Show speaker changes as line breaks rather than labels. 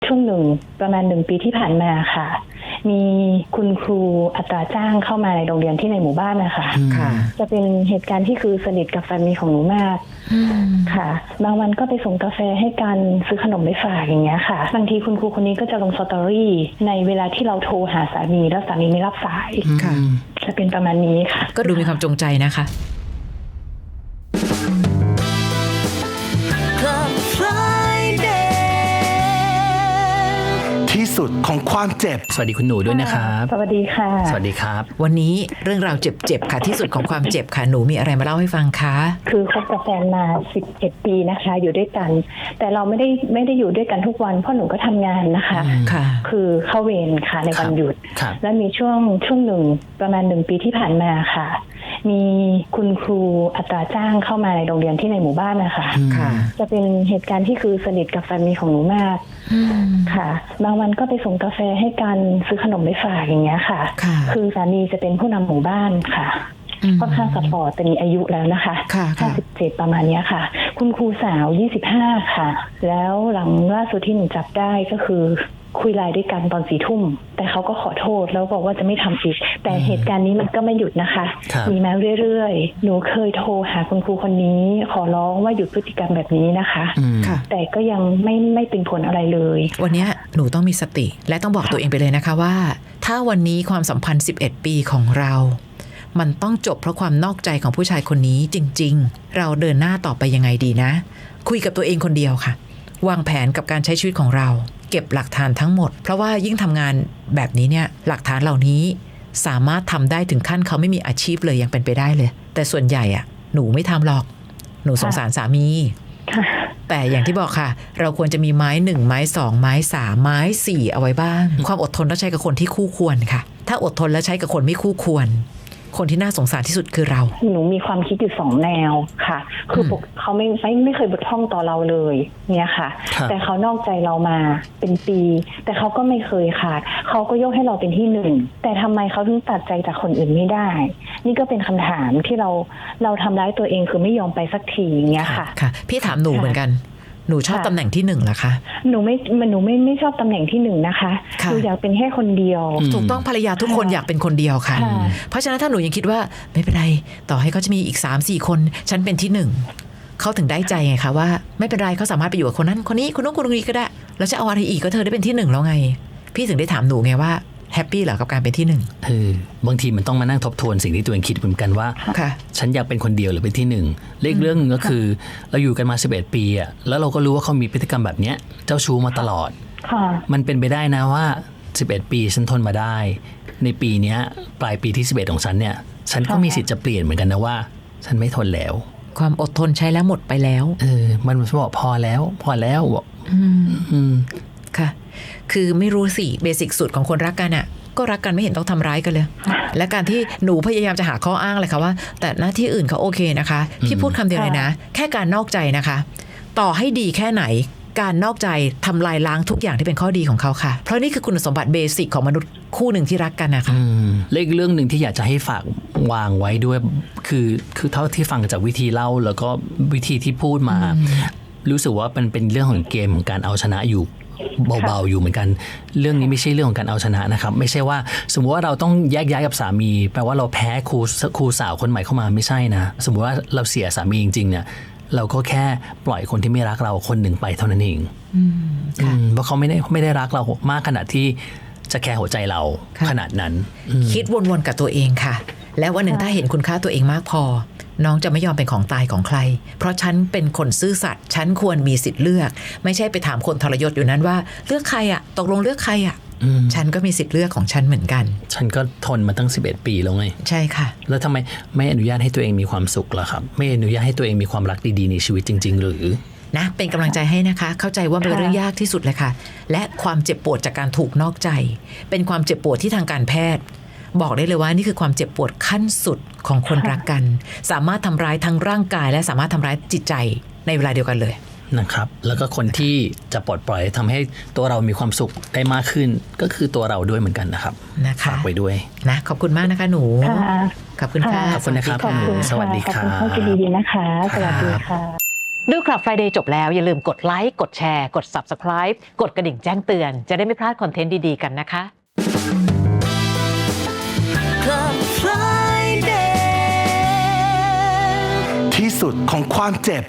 ช่วงหนึ่งประมาณ1 ปีที่ผ่านมาค่ะมีคุณครูอัตราจ้างเข้ามาในโรงเรียนที่ในหมู่บ้านนะคะ
ค่ะ
จะเป็นเหตุการณ์ที่คือสนิทกับแฟนมีของหนูมากค่ะบางวันก็ไปส่งกาแฟให้กันซื้อขนมไปฝากอย่างเงี้ยค่ะบางทีคุณครูคนนี้ก็จะลงสตอรี่ในเวลาที่เราโทรหาสามีแล้วสามีไม่รับสาย
ค่ะ
จะเป็นประมาณนี้ค่ะ
ก็ดูมีความจงใจนะคะ
ที่สุดของความเจ็บสวัสดีคุณหนูด้วยนะครับ
สวัสดีค่ะ
สวัสดีครับ
วันนี้เรื่องราวเจ็บๆค่ะที่สุดของความเจ็บค่ะหนูมีอะไรมาเล่าให้ฟังคะ
คือคบกับแฟนมา11 ปีนะคะอยู่ด้วยกันแต่เราไม่ได้อยู่ด้วยกันทุกวันเพราะหนูก็ทำงานนะคะ
ค่ะ
คือเข้าเวรค่ะในวันหยุดและมีช่วงหนึ่งประมาณ1 ปีที่ผ่านมาค่ะมีคุณครูอัตราจ้างเข้ามาในโรงเรียนที่ในหมู่บ้านนะคะ
ค่ะ
จะเป็นเหตุการณ์ที่คือสนิทกับแฟนมีของหนูมากค่ะบางวันก็ไปส่งกาแฟให้กันซื้อขนมไปฝากอย่างเงี้ยค่ะคือสามีจะเป็นผู้นำหมู่บ้านค่ะค่อนข้างซัพพอร์ตแต่มีอายุแล้วนะคะ57ประมาณนี้ค่ะคุณครูสาว25ค่ะแล้วหลังล่าสุดที่หนูจับได้ก็คือคุยไลน์ด้วยกันตอน4 ทุ่มแต่เขาก็ขอโทษแล้วบอกว่าจะไม่ทำอีกแต่เหตุการณ์นี้มันก็ไม่หยุดนะคะมีมาเรื่อยๆหนูเคยโทรหาคุณครูคนนี้ขอร้องว่าหยุดพฤติกรรมแบบนี้นะคะแต่ก็ยังไม่เป็นผลอะไรเลย
วันนี้หนูต้องมีสติและต้องบอกตัวเองไปเลยนะคะว่าถ้าวันนี้ความสัมพันธ์11 ปีของเรามันต้องจบเพราะความนอกใจของผู้ชายคนนี้จริงๆเราเดินหน้าต่อไปยังไงดีนะคุยกับตัวเองคนเดียวค่ะวางแผนกับการใช้ชีวิตของเราเก็บหลักฐานทั้งหมดเพราะว่ายิ่งทำงานแบบนี้เนี่ยหลักฐานเหล่านี้สามารถทำได้ถึงขั้นเขาไม่มีอาชีพเลยยังเป็นไปได้เลยแต่ส่วนใหญ่อะหนูไม่ทำหรอกหนูสงสารสามีแต่อย่างที่บอกค่ะเราควรจะมีไม้1ไม้2ไม้3ไม้4เอาไว้บ้างความอดทนต้องใช้กับคนที่คู่ควรค่ะถ้าอดทนแล้วใช้กับคนไม่คู่ควรคนที่น่าสงสารที่สุดคือเรา
หนูมีความคิดอยู่2 แนวค่ะคือเขาไม่เคยบกพร่องต่อเราเลยเนี่ยค่ะแต่เขานอกใจเรามาเป็นปีแต่เขาก็ไม่เคยขาดเขาก็ยกให้เราเป็นที่1แต่ทำไมเขาถึงตัดใจจากคนอื่นไม่ได้นี่ก็เป็นคำถามที่เราทำร้ายตัวเองคือไม่ยอมไปสักทีเงี้ยค่ะ
ค่ะพี่ถามหนูเหมือนกันหนูชอบตำแหน่งที่1เหรอคะ
หนูไม่ชอบตำแหน่งที่1นะคะหนูอยากเป็นแค่คนเดียว
ถูกต้องภรรยาทุกคนอยากเป็นคนเดียวค่ะเพราะฉะนั้นถ้าหนูยังคิดว่าไม่เป็นไรต่อให้เขาจะมีอีก 3-4 คนฉันเป็นที่1เขาถึงได้ใจไงคะว่าไม่เป็นไรเขาสามารถไปอยู่กับคนนั้นคนนี้คนนู้นคนนี้ก็ได้แล้วจะเอาอะไรอีกก็เธอได้เป็นที่1แล้วไงพี่ถึงได้ถามหนูไงว่าแฮปปี้เหรอกับการเป็นที่
บางทีมันต้องมานั่งทบทวนสิ่งที่ตัวเองคิดเหมือนกันว่าฉันอยากเป็นคนเดียวหรือเป็นที่1เรื่องนึงก็คือเราอยู่กันมา11 ปีอะแล้วเราก็รู้ว่าเขามีพฤติกรรมแบบเนี้ยเจ้าชู้มาตลอดมันเป็นไปได้นะว่า11 ปีฉันทนมาได้ในปีนี้ปลายปีที่11ของฉันเนี่ยฉันก็มีสิทธิ์จะเปลี่ยนเหมือนกันนะว่าฉันไม่ทนแล้ว
ความอดทนใช้แล้วหมดไปแล้ว
มันบอกพอแล้วบอก
ค่ะคือไม่รู้สิเบสิกสุดของคนรักกันอ่ะก็รักกันไม่เห็นต้องทำร้ายกันเลยและการที่หนูพยายามจะหาข้ออ้างเลยค่ะว่าแต่หน้าที่อื่นเขาโอเคนะคะพี่พูดคำเดียวเลยนะแค่การนอกใจนะคะต่อให้ดีแค่ไหนการนอกใจทำลายล้างทุกอย่างที่เป็นข้อดีของเขาค่ะเพราะนี่คือคุณสมบัติเบสิกของมนุษย์คู่หนึ่งที่รักกันนะคะ
เรื่องนึงที่อยากจะให้ฝากวางไว้ด้วยคือเท่าที่ฟังจากวิธีเล่าแล้วก็วิธีที่พูดมารู้สึกว่ามันเป็นเรื่องของเกมของการเอาชนะอยู่เบาๆอยู่เหมือนกันเรื่องนี้ไม่ใช่เรื่องของการเอาชนะนะครับไม่ใช่ว่าสมมติว่าเราต้องแยกย้ายกับสามีแปลว่าเราแพ้ครูสาวคนใหม่เข้ามาไม่ใช่นะสมมติว่าเราเสียสามีจริงๆเนี่ยเราก็แค่ปล่อยคนที่ไม่รักเราคนหนึ่งไปเท่านั้นเองเพราะเขาไม่ได้รักเรามากขนาดที่จะแคร์หัวใจเราขนาดนั้น
คิดวนๆกับตัวเองค่ะและวันหนึ่งถ้าเห็นคุณค่าตัวเองมากพอน้องจะไม่ยอมเป็นของตายของใครเพราะฉันเป็นคนซื่อสัตย์ฉันควรมีสิทธิ์เลือกไม่ใช่ไปถามคนทรยศอยู่นั้นว่าเลือกใครอะตกลงเลือกใครอะฉันก็มีสิทธิ์เลือกของฉันเหมือนกัน
ฉันก็ทนมาตั้ง11 ปีแล้วไง
ใช่ค่ะ
แล้วทำไมไม่อนุญาตให้ตัวเองมีความสุขล่ะครับไม่อนุญาตให้ตัวเองมีความรักดีๆในชีวิตจริงๆหรือ
นะเป็นกำลังใจให้นะคะเข้าใจว่าเป็นเรื่องยากที่สุดเลยค่ะและความเจ็บปวดจากการถูกนอกใจเป็นความเจ็บปวดที่ทางการแพทย์บอกได้เลยว่านี่คือความเจ็บปวดขั้นสุดของคนรักกันสามารถทำร้ายทั้งร่างกายและสามารถทำร้ายจิตใจในเวลาเดียวกันเลย
นะครับแล้วก็คนที่จะปลดปล่อยทำให้ตัวเรามีความสุขได้มากขึ้นก็คือตัวเราด้วยเหมือนกันนะครับฝากไว้ด้วย
นะขอบคุณมากนะคะหนูขอบคุณค่ะ
ขอบคุณนะครับหนูสวัสดีครับ
ขอบคุณดีๆนะคะสวัสดีค่ะ
ดูคลับ Friday จบแล้วอย่าลืมกดไลค์กดแชร์กด Subscribe กดกระดิ่งแจ้งเตือนจะได้ไม่พลาดคอนเทนต์ดีๆกันนะคะ
Club Friday
ที่สุดของความเจ็บ